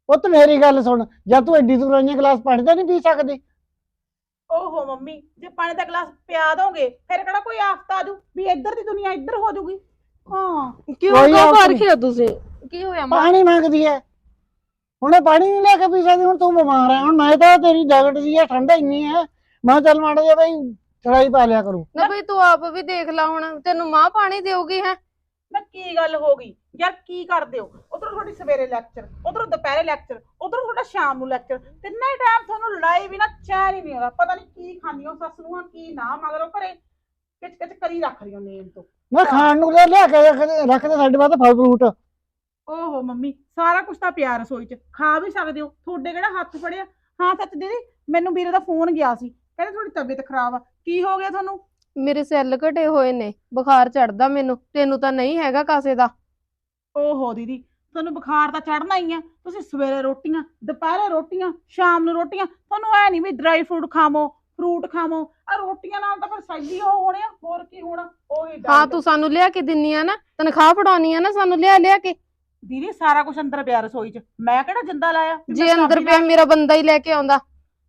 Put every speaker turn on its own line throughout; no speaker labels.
ਪੁੱਤ ਮੇਰੀ ਗੱਲ ਸੁਣ, ਜਦ ਤੂੰ ਐਡੀ ਦੂਰ ਆਈਆਂ ਗਲਾਸ ਪਾਣੀ ਦਾ ਨਹੀਂ ਪੀ ਸਕਦੀ?
ਓਹੋ ਮੰਮੀ, ਜੇ ਪਾਣੀ ਦਾ ਗਲਾਸ ਪਿਆ ਦੋਗੇ ਫਿਰ ਕਿਹੜਾ ਕੋਈ ਆਫਤ ਆ ਜੂ ਵੀ ਇੱਧਰ ਦੀ ਦੁਨੀਆ ਇੱਧਰ ਹੋ ਜੂਗੀ। ਹਾਂ
ਕਿਉਂ
ਕੋਈ
ਕਾ
ਆਫਤ
ਫਰਕ
ਨਹੀਂ।
ਹੈ ਤੁਸੀਂ? ਕੀ ਹੋਇਆ ਮਾਂ?
ਪਾਣੀ ਮੰਗਦੀ ਐ, ਹੁਣ ਇਹ ਪਾਣੀ ਨਹੀਂ ਲੈ ਕੇ ਪੀ ਸਕਦੀ। ਹੁਣ ਤੂੰ ਬਿਮਾਰ ਹੈ, ਹੁਣ ਮੈਂ ਤਾਂ ਤੇਰੀ ਜੈਕਟ ਜੀ ਹੈ ਠੰਡਾ ਇੰਨੀ ਹੈ, ਮੈਂ ਚੱਲ ਮਾੜਾ ਜਿਹਾ ਬਈ ਚੜਾਈ ਪਾ ਲਿਆ ਕਰੂ।
ਨਾ ਬਈ ਤੂੰ ਆਪ ਵੀ ਦੇਖ ਲੈ, ਹੁਣ ਤੈਨੂੰ ਮਾਂ ਪਾਣੀ ਦੇਊਗੀ ਹੈ?
ਨਾ ਕੀ ਗੱਲ ਹੋ ਗਈ ਯਾਰ, ਕੀ ਕਰਦੇ ਹੋ? ਉਧਰੋਂ ਤੁਹਾਡੀ ਸਵੇਰੇ ਲੈਕਚਰ, ਉਧਰੋਂ ਦੁਪਹਿਰੇ ਲੈਕਚਰ, ਉਧਰੋਂ ਤੁਹਾਡਾ ਸ਼ਾਮ ਨੂੰ ਲੈਕਚਰ, ਤਿੰਨੇ ਟਾਈਮ ਤੁਹਾਨੂੰ ਲੜਾਈ ਵੀ ਨਾ ਚੈਨ ਹੀ ਨਹੀਂ ਆਉਂਦਾ। ਪਤਾ ਨਹੀਂ ਕੀ ਖਾਂਦੀ ਹੋ ਸੱਸ ਨੂੰ, ਕੀ ਨਾ ਮਗਰੋਂ ਘਰੇ ਕਿਚ ਕਿਚ ਕਰੀ ਰੱਖ ਰਹੀ ਹੋ ਨੇਮ ਤੋਂ।
ਮੈਂ ਖਾਣ ਨੂੰ ਲਿਆ ਕੇ ਰੱਖਦੇ ਸਾਡੇ ਬਾਅਦ ਫਲ ਫਰੂਟ।
ਓਹੋ ਮੰਮੀ, ਸਾਰਾ ਕੁਝ ਤਾਂ ਪਿਆ ਰਸੋਈ 'ਚ, ਖਾ ਵੀ ਸਕਦੇ ਹੋ। ਤੁਹਾਡੇ ਕਿਹੜਾ ਹੱਥ ਫੜਿਆ। ਹਾਂ ਸੱਚ ਦੀਦੀ, ਮੈਨੂੰ ਵੀਰੇ ਦਾ ਫੋਨ ਗਿਆ ਸੀ, ਕਹਿੰਦੇ ਤੁਹਾਡੀ ਤਬੀਅਤ ਖਰਾਬ ਆ। ਕੀ ਹੋ ਗਿਆ ਤੁਹਾਨੂੰ?
ਮੇਰੇ ਸੈੱਲ ਘਟੇ ਹੋਏ ਨੇ, ਬੁਖਾਰ ਚੜਦਾ ਮੈਨੂੰ, ਤੈਨੂੰ ਤਾਂ ਨਹੀਂ ਹੈਗਾ ਕਾਸੇ ਦਾ।
ਓਹੋ ਦੀਦੀ, ਤੁਹਾਨੂੰ ਬੁਖਾਰ ਤਾਂ ਚੜਨਾ ਹੀ ਆ। ਤੁਸੀਂ ਸਵੇਰੇ ਰੋਟੀਆਂ, ਦੁਪਹਿਰੇ ਰੋਟੀਆਂ, ਸ਼ਾਮ ਨੂੰ ਰੋਟੀਆਂ, ਤੁਹਾਨੂੰ ਐ ਨਹੀਂ ਵੀ ਡਰਾਈ ਫਰੂਟ ਖਾਵੋ। ਆ ਰੋਟੀਆਂ ਨਾਲ ਤਾਂ ਫਿਰ ਸੈਲੀ ਉਹ ਹੋਣੇ ਆ, ਹੋਰ ਕੀ ਹੋਣਾ। ਉਹੀ
ਹਾਂ ਤੂੰ ਸਾਨੂੰ ਲਿਆ ਕੇ ਦਿੰਨੀ ਆ ਨਾ, ਤਨਖਾਹ ਫੜਾਉਣੀ ਆ ਨਾ ਸਾਨੂੰ ਲਿਆ ਕੇ।
ਦੀਦੀ ਸਾਰਾ ਕੁਝ ਅੰਦਰ ਪਿਆ ਰਸੋਈ 'ਚ, ਮੈਂ ਕਿਹੜਾ ਜਿੰਦਾ ਲਾਇਆ ਵੀ
ਜੇ
ਮੈਂ
ਅੰਦਰ
ਚਾਬੀ
ਪਿਆ
ਨਾਲ-
ਮੇਰਾ ਬੰਦਾ ਹੀ ਲੈ ਕੇ ਆਉਂਦਾ।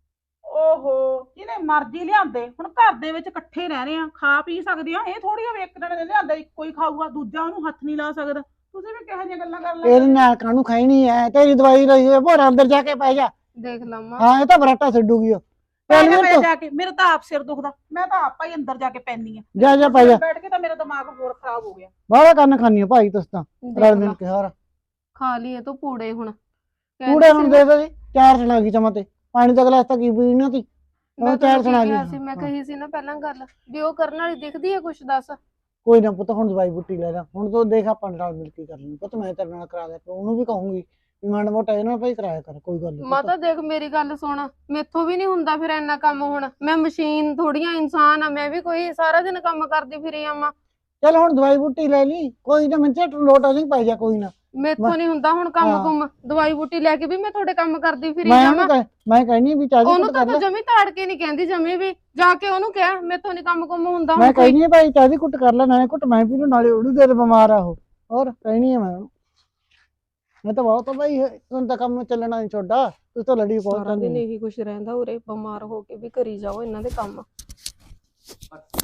ਓਹੋ, ਜਿਹਨੇ ਮਰਜ਼ੀ ਲਿਆਂਦੇ। ਹੁਣ ਘਰ ਦੇ ਵਿੱਚ ਇਕੱਠੇ ਰਹਿ ਰਹੇ ਆ, ਖਾ ਪੀ ਸਕਦੇ ਆ। ਇਹ ਥੋੜੀ ਆ ਇੱਕ ਜਣੇ ਨੇ ਲਿਆਂਦਾ ਇੱਕੋ ਹੀ ਖਾਊਗਾ, ਦੂਜਾ ਉਹਨੂੰ ਹੱਥ ਨਹੀਂ ਲਾ ਸਕਦਾ। ਤੁਸੀਂ ਵੀ ਕਿਹੋ ਜਿਹੀਆਂ ਗੱਲਾਂ ਕਰ
ਇਹਦੇ
ਲੈਂਦੇ?
ਨਾਲ ਕਾਹਨੂੰ ਖਾਣੀ ਐ, ਤੇਰੀ ਦਵਾਈ ਲਈ ਹੋਏ ਭੋਰਾ ਅੰਦਰ ਜਾ ਕੇ ਪੈ ਜਾ।
ਦੇਖ ਲਵਾਂ।
ਹਾਂ ਇਹ ਤਾਂ ਬਰਾਟਾ ਛੱਡੂਗੀ ਉਹ। ਚੱਲ
ਮੈਂ
ਮੇਰੇ
ਜਾ ਕੇ, ਮੇਰਾ ਤਾਂ ਆਪ ਸਿਰ ਦੁਖਦਾ, ਮੈਂ ਤਾਂ ਆਪਾ ਹੀ ਅੰਦਰ ਜਾ ਕੇ ਪੈਂਦੀ ਆ।
ਜਾ ਪੈ ਜਾ।
ਬੈਠ ਕੇ ਤਾਂ ਮੇਰਾ ਦਿਮਾਗ ਹੋਰ ਖਰਾਬ ਹੋ ਗਿਆ।
ਬਾਹਲਾ ਕੰਨ ਖਾਨੀ ਆ ਭਾਈ ਤੁਸੀਂ ਤਾਂ,
ਦੇਖ
ਰਲ
ਲਾ,
ਮਿਲ ਕੇ ਹਾਰ।
ਖਾ ਲਈਏ ਤੂੰ ਪੂੜੇ ਹੁਣ।
ਕੂੜੇ ਹੁਣ ਦੇ ਦੇ, ਚਾਰ ਸੁਣਾ ਗਈ ਚਮਾ ਤੇ ਪਾਣੀ ਦਾ ਗਲਾਸ ਤਾਂ ਕੀ ਪੀਣਾ ਤੀ,
ਮੈਂ
ਉਹ ਚਾਰ
ਤੈਨੂੰ
ਸੁਣਾ
ਕੀ ਕਿਹਾ ਸੀ,
ਗਈ।
ਮੈਂ ਕਹੀ ਸੀ ਨਾ ਪਹਿਲਾਂ ਗੱਲ ਵੀ ਉਹ ਕਰਨ ਵਾਲੀ ਦਿਖਦੀ ਹੈ ਕੁਛ, ਦੱਸ।
ਕੋਈ ਨਾ ਪੁੱਤ, ਹੁਣ ਦਵਾਈ ਬੁੱਟੀ ਲੈ ਜਾ। ਹੁਣ ਤੂੰ ਦੇਖ ਆਪਾਂ ਨਾਲ ਮਿਲ ਕੇ ਕਰ ਲਈ ਪੁੱਤ, ਮੈਂ ਤੇਰੇ ਨਾਲ ਕਰਾ ਦਿਆ, ਉਹਨੂੰ ਵੀ ਕਹੂੰਗੀ ਵੀ ਮਾੜਾ ਮੋਟਾ ਇਹਨਾਂ ਭਾਈ ਕਰਾਇਆ ਕਰ, ਕੋਈ ਗੱਲ ਨਹੀਂ।
ਮਾਤਾ ਦੇਖ ਮੇਰੀ ਗੱਲ ਸੁਣ, ਮੈਥੋਂ ਵੀ ਨਹੀਂ ਹੁੰਦਾ ਫਿਰ ਇੰਨਾ ਕੰਮ। ਹੁਣ ਮੈਂ ਮਸ਼ੀਨ ਥੋੜੀਆਂ, ਇਨਸਾਨ ਆ ਮੈਂ ਵੀ, ਕੋਈ ਸਾਰਾ ਦਿਨ ਕੰਮ ਕਰਦੀ ਫਿਰੀ ਆਵਾਂ।
ਚੱਲ ਹੁਣ ਦਵਾਈ ਬੁੱਟੀ ਲੈ ਲਈ, ਕੋਈ ਨਾ ਮਿੰਟੇ ਲੋਟ ਆ ਨਹੀਂ ਪੈ ਜਾ, ਕੋਈ ਨਾ।
ਮੈਥੋਂ ਨਹੀਂ ਹੁੰਦਾ ਹੁਣ ਕੰਮ
ਹਾਂ।
ਕੁਮ, ਦਵਾਈ ਬੂਟੀ ਲੈ ਕੇ ਵੀ ਮੈਂ ਤੁਹਾਡੇ ਕੰਮ ਕਰਦੀ ਫਿਰੀ
ਮੈਂ
ਜਾਵਾਂ।
ਉਹਨੂੰ ਮੈਂ ਕਹਿਨੀ ਵੀ ਚਾਹ ਦੀ
ਉਹਨੂੰ
ਕੁੱਟ
ਤਾਂ
ਕਰ
ਤੂੰ
ਲੈ।
ਜਮੀ ਤਾੜ ਕੇ ਨਹੀਂ ਕਹਿੰਦੀ, ਜਮੀ ਵੀ ਜਾ ਕੇ ਉਹਨੂੰ ਕਹਿ ਮੈਥੋਂ ਨਹੀਂ ਕੰਮ ਕੁਮ ਹੁੰਦਾ
ਮੈਂ
ਹੁਣ ਕੋਈ।
ਕਹਿਨੀ ਭਾਈ ਚਾਹ ਦੀ ਕੁੱਟ ਕਰ ਲੈ, ਨਾਲੇ ਕੁੱਟ ਮੈਂ ਪੀ ਲੂ, ਨਾਲੇ ਉਹਨੂੰ ਦੇ ਦੇ, ਬਿਮਾਰ ਆ ਉਹ। ਹੋਰ ਕਹਿਨੀ ਆ ਮੈਂ ਉਹਨੂੰ, ਮੈਂ ਤਾਂ ਬਹੁਤ ਭਾਈ ਹੁਣ ਤਾਂ ਕੰਮ ਚੱਲਣਾ ਨਹੀਂ ਛੋਡਾ, ਤੂੰ ਤਾਂ ਲੜੀ ਬਹੁਤ
ਸਾਰਾ ਦਿਨ
ਕਰਨੀ।
ਇਹੀ ਕੁਛ ਰਹਿੰਦਾ ਉਰੇ, ਬਿਮਾਰ ਹੋ ਕੇ ਵੀ ਕਰੀ ਜਾਓ ਇਹਨਾਂ ਦੇ ਕੰਮ।